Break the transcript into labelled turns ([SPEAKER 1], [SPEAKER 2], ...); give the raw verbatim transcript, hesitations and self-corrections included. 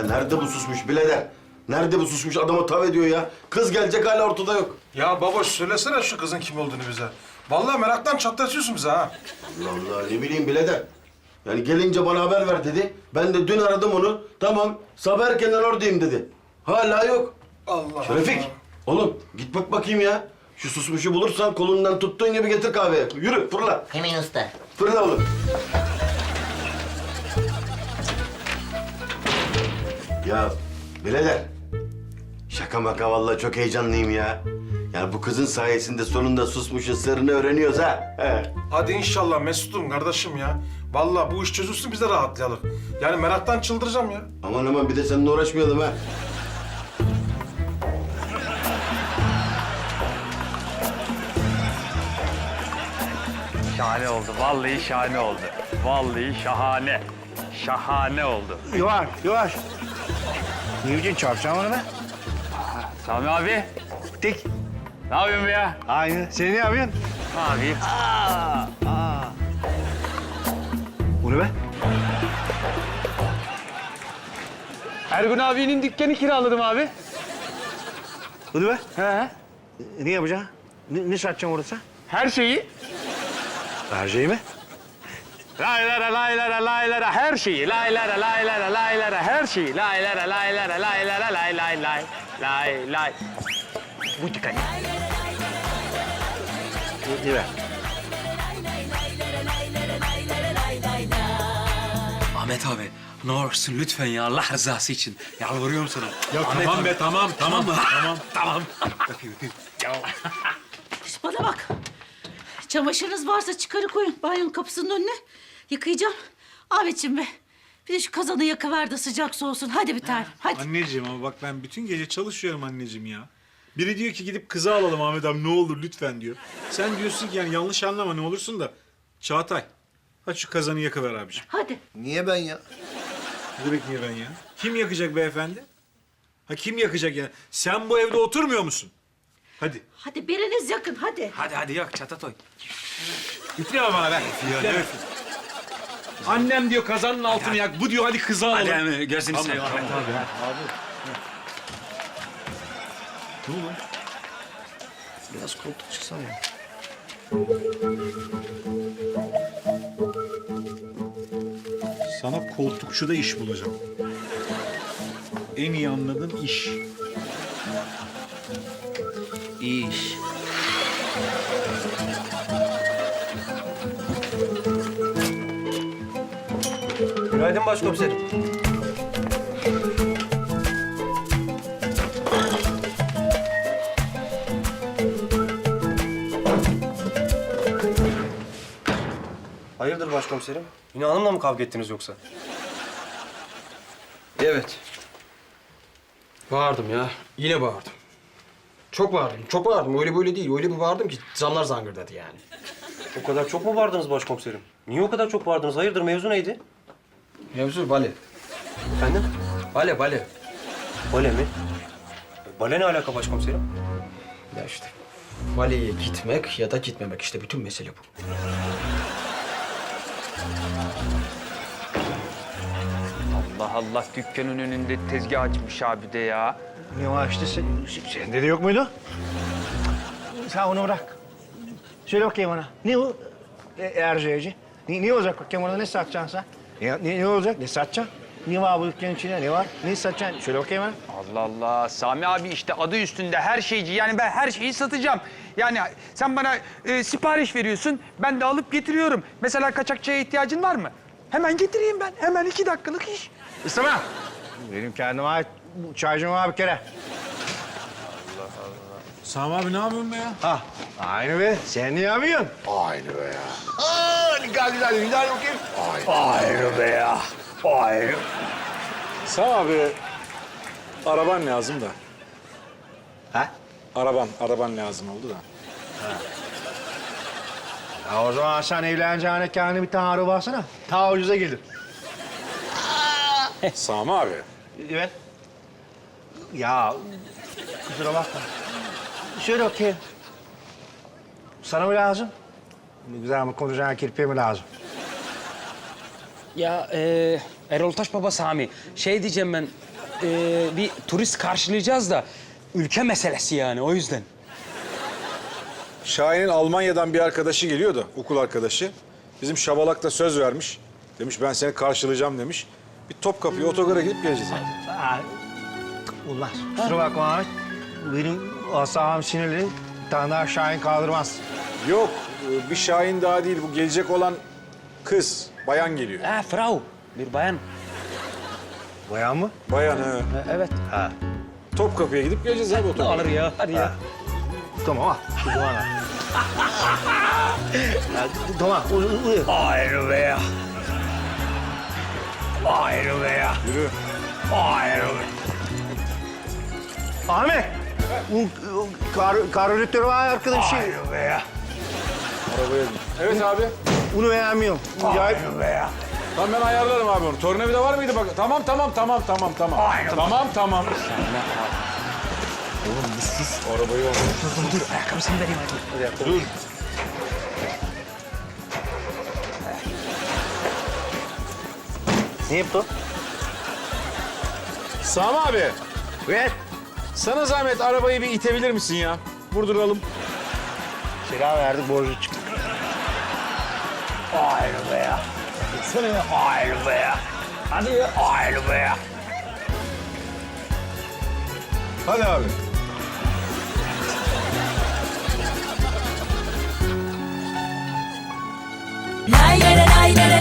[SPEAKER 1] nerede bu susmuş birader? Nerede bu susmuş adama tav ediyor ya? Kız gelecek hala ortada yok.
[SPEAKER 2] Ya baboş söylesene şu kızın kim olduğunu bize. Vallahi meraktan çatlatıyorsun bize ha.
[SPEAKER 1] Allah Allah ne bileyim birader. Yani gelince bana haber ver dedi. Ben de dün aradım onu. Tamam sabah erkenden oradayım dedi. Hala yok.
[SPEAKER 2] Allah
[SPEAKER 1] Şerefik,
[SPEAKER 2] Allah.
[SPEAKER 1] oğlum git bak bakayım ya. Şu susmuşu bulursan kolundan tuttuğun gibi getir kahveye. Yürü fırla.
[SPEAKER 3] Hemen usta.
[SPEAKER 1] Fırla oğlum. Ya birader. Şaka maka vallahi çok heyecanlıyım ya. Yani bu kızın sayesinde sonunda susmuşun sırrını öğreniyoruz ha. He.
[SPEAKER 2] Hadi inşallah Mesut'um kardeşim ya. Vallahi bu iş çözülsün biz de rahatlayalım. Yani meraktan çıldıracağım ya.
[SPEAKER 1] Aman aman bir de seninle uğraşmayalım ha.
[SPEAKER 4] Şahane oldu. Vallahi şahane oldu. Vallahi şahane. Şahane oldu.
[SPEAKER 5] Yavaş, yavaş. Ne biçim çarpacağım onu ben?
[SPEAKER 4] Sami abi.
[SPEAKER 5] Dik.
[SPEAKER 4] Ne yapıyorsun be ya?
[SPEAKER 5] Aynı. Sen ne yapıyorsun?
[SPEAKER 4] Abi.
[SPEAKER 5] Bu ne be?
[SPEAKER 4] Ergun abinin dükkanı kiraladım abi.
[SPEAKER 5] Bu ne be?
[SPEAKER 4] He.
[SPEAKER 5] Ne yapacaksın? Ne, ne satacaksın orada sen?
[SPEAKER 4] Her şeyi.
[SPEAKER 5] Her şeyi mi?
[SPEAKER 4] Laylara laylara laylara her şeyi. Laylara laylara laylara her şeyi. Laylara laylara laylara lay lay lay. Lay lay. Bu dükkanı.
[SPEAKER 5] Ne be?
[SPEAKER 6] Ahmet abi, ne olursun lütfen ya Allah rızası için. Yalvarıyorum sana.
[SPEAKER 7] Ya
[SPEAKER 6] Ahmet
[SPEAKER 7] tamam
[SPEAKER 6] abi.
[SPEAKER 7] be tamam tamam
[SPEAKER 6] Tamam mı?
[SPEAKER 7] tamam.
[SPEAKER 6] Tamam. Öpeyim öpeyim.
[SPEAKER 8] Şş, bana bak. Çamaşırınız varsa çıkarı koyun banyonun kapısının önüne. Yıkayacağım. Ahmetciğim be. Bir de şu kazanı yakıver de sıcak soğusun. Hadi bir tane. Hadi.
[SPEAKER 7] Anneciğim ama bak ben bütün gece çalışıyorum anneciğim ya. Biri diyor ki gidip kızı alalım Ahmet abi ne olur lütfen diyor. Sen diyorsun ki yani yanlış anlama ne olursun da. Çağatay, hadi şu kazanı yakıver abiciğim.
[SPEAKER 8] Hadi.
[SPEAKER 1] Niye ben ya?
[SPEAKER 7] Ne demek niye ben ya? Kim yakacak beyefendi? Ha kim yakacak yani? Sen bu evde oturmuyor musun? Hadi.
[SPEAKER 8] Hadi biriniz yakın hadi.
[SPEAKER 6] Hadi hadi yak Çatatoy.
[SPEAKER 7] Üfleme bana be. Üfleme. Annem diyor kazanın altını yak. Bu diyor hadi kızı alalım.
[SPEAKER 6] Hadi hemen gözünü seveyim Ahmet abi.
[SPEAKER 5] Biraz koltuk çıksana ya.
[SPEAKER 7] Sana koltukçuda iş bulacağım. En iyi anladığım iş.
[SPEAKER 5] İyi iş.
[SPEAKER 9] Günaydın başkomiserim. Hayırdır başkomiserim? Yine hanımla mı kavga ettiniz yoksa?
[SPEAKER 10] Evet. Bağırdım ya. Yine bağırdım. Çok bağırdım. Çok bağırdım. Öyle böyle değil. Öyle bir bağırdım ki zamlar zangırdadı yani.
[SPEAKER 9] O kadar çok mu bağırdınız başkomiserim? Niye o kadar çok bağırdınız? Hayırdır mevzu neydi?
[SPEAKER 10] Mevzu bale.
[SPEAKER 9] Efendim?
[SPEAKER 10] Bale bale.
[SPEAKER 9] Bale mi? Bale ne alaka başkomiserim?
[SPEAKER 10] Ya işte. Baleye gitmek ya da gitmemek işte bütün mesele bu.
[SPEAKER 4] Allah Allah dükkanın önünde tezgah açmış abi de ya.
[SPEAKER 5] Ne var işte sen, sende de yok muydu? Sen onu bırak. Söyle bakayım bana. Ne o? E, Erciyeci. Ne, ne olacak bakayım orada ne satacaksın sen? Ne, ne, ne olacak? Ne satacaksın? Ne var bu dükkanın içinde? Ne var? Ne satacaksın? Söyle bakayım bana.
[SPEAKER 4] Allah Allah. Sami abi işte adı üstünde her şeyci. Yani ben her şeyi satacağım. Yani sen bana e, sipariş veriyorsun. Ben de alıp getiriyorum. Mesela kaçakçıya ihtiyacın var mı? Hemen getireyim ben. Hemen iki dakikalık iş.
[SPEAKER 5] İstemem. Benim kendime ait bu çaycım var bir kere.
[SPEAKER 7] Sami abi ne yapıyorsun be ya?
[SPEAKER 5] Ha, aynı be. Sen ne yapıyorsun? Aynı be ya. Aa, güzel güzel. Güzel bakayım. Aynı. Aynı be ya. Aynı.
[SPEAKER 7] Sami abi araban lazım da.
[SPEAKER 5] Ha?
[SPEAKER 7] Araban, araban lazım oldu da.
[SPEAKER 5] Ya o zaman sen evleneceğine kendine bir tane araba alsana. Ta ucuza gelir.
[SPEAKER 7] Sami abi.
[SPEAKER 5] Evet. Ya kusura bakma. Şöyle bakayım. Sana mı lazım? Güzel mi konuşacağın kirpiğe mi lazım?
[SPEAKER 6] Ya e, Erol Taş Baba Sami. Şey diyeceğim ben. e, bir turist karşılayacağız da ülke meselesi yani o yüzden.
[SPEAKER 7] Şahin'in Almanya'dan bir arkadaşı geliyor da, okul arkadaşı. Bizim Şabalak da söz vermiş. Demiş ben seni karşılayacağım demiş. Bir Topkapı'ya otogara gidip geleceğiz yani.
[SPEAKER 5] Aa, ulan kusura bakma Ahmet. Benim asabım sinirli. Bir tane daha Şahin kaldırmaz.
[SPEAKER 7] Yok, bir Şahin daha değil. Bu gelecek olan kız, bayan geliyor.
[SPEAKER 6] Ha, Frau, bir bayan.
[SPEAKER 5] Bayan mı?
[SPEAKER 7] Bayan he.
[SPEAKER 6] Ha, evet.
[SPEAKER 5] Ha.
[SPEAKER 7] Topkapı'ya gidip geleceğiz abi otogara.
[SPEAKER 6] Alır ya, hadi ya.
[SPEAKER 5] Tamam al. Şu duana. Ya, tamam. Uyu, uyu. Ayrı be ya. Ayrı be ya.
[SPEAKER 7] Yürü.
[SPEAKER 5] Ayrı be. Ahmet. Bu kar, karbüratör var arkadaşı. Ayrı be ya.
[SPEAKER 7] Arabaya bin. Evet abi.
[SPEAKER 5] Bunu beğenmiyorum. Ayrı be ya.
[SPEAKER 7] Tamam ben ayarlarım abi onu. Tornavida var mıydı bak? Tamam tamam tamam tamam tamam. Tamam tamam. Oğlum bir sus. Arabayı al.
[SPEAKER 6] Dur, dur, ayakkabısını vereyim hadi.
[SPEAKER 7] Dur.
[SPEAKER 5] Ne yaptı?
[SPEAKER 7] Sami abi.
[SPEAKER 5] Ver.
[SPEAKER 7] Sana zahmet arabayı bir itebilir misin ya? Vurduralım.
[SPEAKER 5] Silah verdik borcu çıktı. Ayrı be ya. Sana ya. Ayrı be ya. Hadi ya. Ayrı be ya.
[SPEAKER 7] Hadi abi.
[SPEAKER 3] Lay lay lay lay lay